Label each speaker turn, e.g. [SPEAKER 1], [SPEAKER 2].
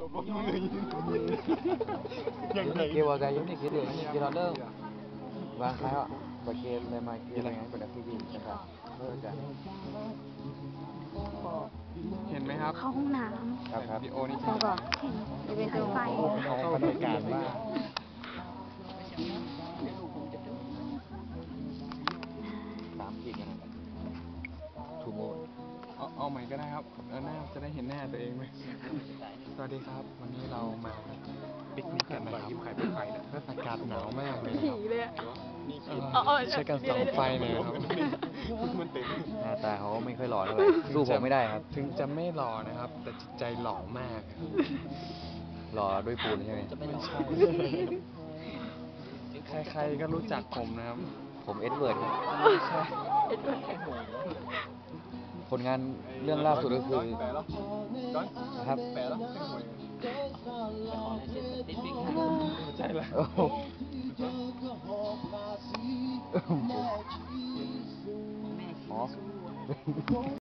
[SPEAKER 1] Kêu vào cái giống như cái đường kia nó đơn và khai họ và kia lên mai kia là ngay của đặc gìนะครับเลิกกัน
[SPEAKER 2] เห็นไหมครับ
[SPEAKER 3] เข้าห้องน้ำ
[SPEAKER 1] ครับ
[SPEAKER 2] วิดีโอนี้
[SPEAKER 3] แล้วก็เห็นจะเป็นสายไฟ
[SPEAKER 1] เข้าบรรยากาศว่า3 ขีดกันทูโม
[SPEAKER 2] เอาใหม่ก็ได้ครับแล้วหน้าจะได้เห็นหน้าตัวเองไหมสวัสดีครับวันนี้เรามาปิกนิกกันนะครับอากาศหนาวมากเลยค
[SPEAKER 3] ผี
[SPEAKER 2] รับ
[SPEAKER 3] เลยอะ
[SPEAKER 2] ใช้การส่องไฟหน่อยครับ
[SPEAKER 1] หน้าตาเขาไม่ค่อยหล่อเท่าไหร่สู้ผมไม่ได้ครับ
[SPEAKER 2] ถึงจะไม่หล่อนะครับ แต่จิตใจหล่อมากครับ
[SPEAKER 1] หล่อด้วยปูนใช่ไหม
[SPEAKER 2] ไม่ใช่ใครๆก็รู้จักผมนะครับ
[SPEAKER 1] ผมเอ็ดเวิร์ดครับ
[SPEAKER 2] ใช่
[SPEAKER 1] ผลงานเรื่องล่าสุดก็คือนะครับ
[SPEAKER 2] ใช่แล้ว
[SPEAKER 1] โอ้โหอ๋อ